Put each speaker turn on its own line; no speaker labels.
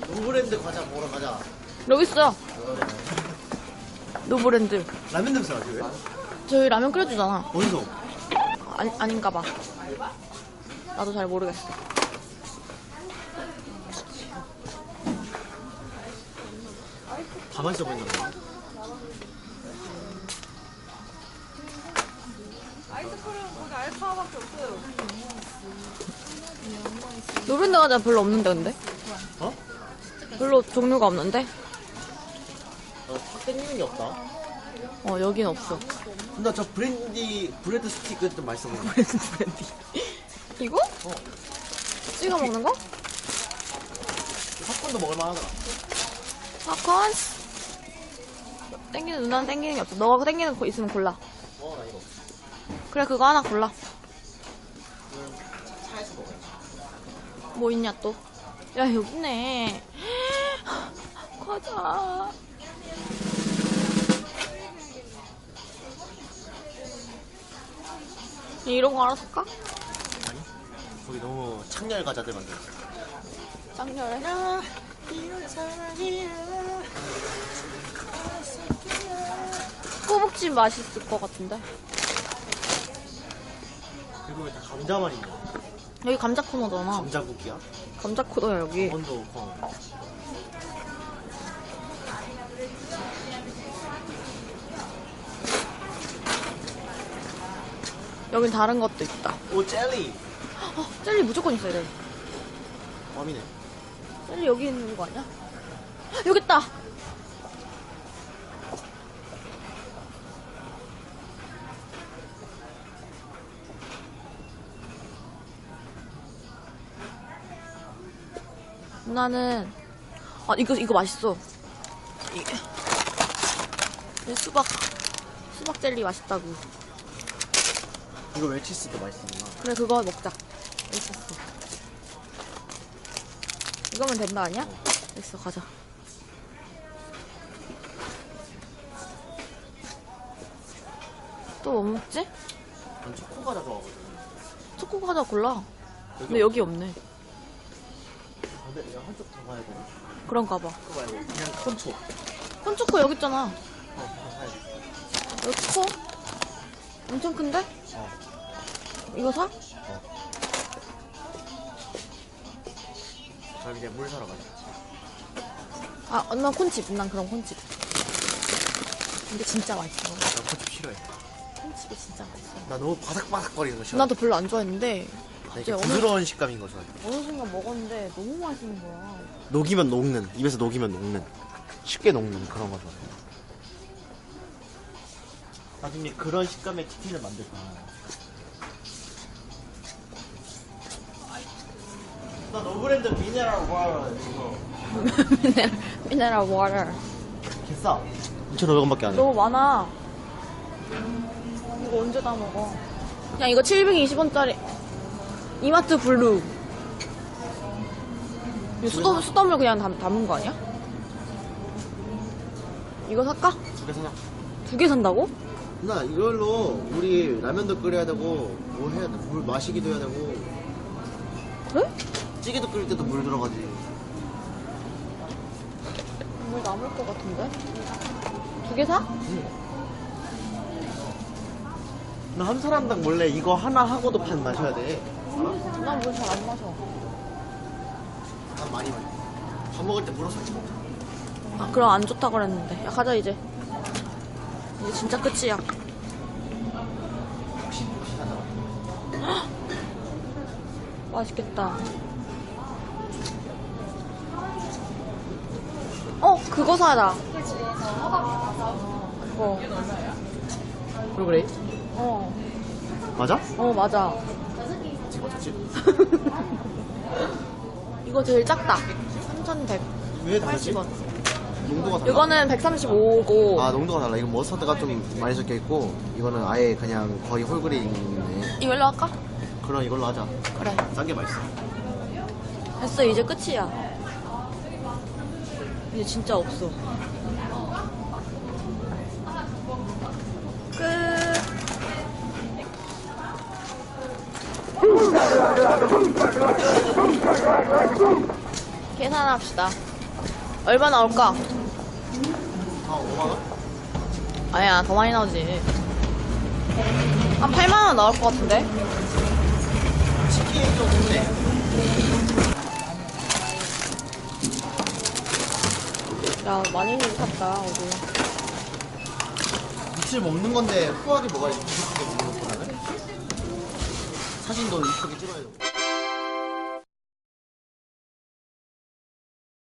노브랜드 과자 먹으러 가자.
여기 있어요. 노브랜드.
라면 냄새 나지 왜?
저희 라면 끓여주잖아.
어디서?
아닌가 봐. 나도 잘 모르겠어.
다 맛있어 보인다.
노브랜드 과자 별로 없는데 근데?
어?
별로 종류가 없는데?
확 땡기는 게 없다.
여긴 없어.
나 저 브레드 스틱 좀 맛있어 보인다.
브랜드. 이거? 찍어 먹는 거?
팝콘도 먹을만 하더라.
팝콘? 누나는 땡기는 게 없어. 너가 땡기는 거 있으면 골라.
나 이거.
그래, 그거 하나 골라.
차에서 먹어야지.
뭐 있냐 또? 야, 여기 있네. 과자. 이런 거 하나 살까?
아니? 거기 너무 창렬 과자들 만들어.
짱열해. 꼬북집 맛있을 것 같은데.
그리고 다 감자만 있네.
여기 감자 코너잖아.
감자국이야?
감자 코너야 여기.
강원도 광.
여긴 다른 것도 있다.
오 젤리.
젤리 무조건 있어야 돼.
껌이네.
젤리 여기 있는 거 아니야? 여기 있다. 누나는 이거 맛있어. 이 수박 젤리 맛있다고.
이거 웰치스도 맛있구나.
그래 그거 먹자. 있었어. 이거면 된다 아니야? 됐어 가자. 또 뭐 먹지?
난 초코 과자 좋아하거든.
초코 과자 골라. 근데 여기 없네.
근데 내가 한쪽 더 가야 되나?
그런가 봐.
그거 말고 그냥 콘초.
콘초코 여기 있잖아.
그거 사야지.
여기 커? 엄청 큰데? 이거 사?
그럼 이제 물 사러 가자.
난 콘칩. 난 그럼 콘칩. 근데 진짜 맛있어.
나 콘칩 싫어해.
콘칩이 진짜 맛있어.
나 너무 바삭바삭거리는 거 싫어.
나도 별로 안 좋아했는데
나 이렇게
어느-
부드러운 식감인 거 좋아해.
어느 순간 먹었는데 너무 맛있는 거야.
녹이면 녹는, 입에서 녹이면 녹는, 쉽게 녹는 그런 거 좋아해. 나중에 그런 식감의 치킨을 만들 거야. 나 노브랜드 미네랄 워터 이거
미네랄 워터.
개싸. 2,500원밖에 안 해.
너무 많아. 이거 언제 다 먹어? 그냥 이거 720원짜리 이마트 블루. 이거 수돗물 그냥 담은 거 아니야? 이거 살까?
2개 사자.
2개 산다고?
나 이걸로 우리 라면도 끓여야 되고 뭐 해야 돼? 물 마시기도 해야 되고
그래?
찌개도 끓일 때도 물 들어가지.
물 남을 것 같은데? 2개 사?
나 한 사람당 원래 이거 하나 하고도 반 마셔야 돼.
난 물 잘 안 마셔.
난 많이 마셔. 밥 먹을 때 물어 섞지 먹자.
그럼 안 좋다 그랬는데. 야 가자 이제. 이제 진짜 끝이야.
혹시 하자.
맛있겠다. 그거 사자. 그거.
프로그레이? 맞아?
맞아.
지금 어쩌지?
이거 제일 작다. 3,180원.
왜 다르지? 농도가 달라?
이거는 135고.
아 농도가 달라. 이건 머스타드가 좀 많이 섞여 있고 이거는 아예 그냥 거의 홀그레인이네.
이걸로 할까?
그럼 이걸로 하자.
그래.
짠 게 맛있어.
됐어, 이제 끝이야. 이제 진짜 없어. 끝. 계산합시다. 얼마 나올까?
아 5만원?
아니야, 더 많이 나오지. 한 8만원 나올 것 같은데?
치킨 좀 좋네.
야, 많이 샀다, 우리.
며칠 먹는 건데 후하게 먹어야지. 부족하게 먹는 것보다는. 사진도 이쁘게 찍어야 돼.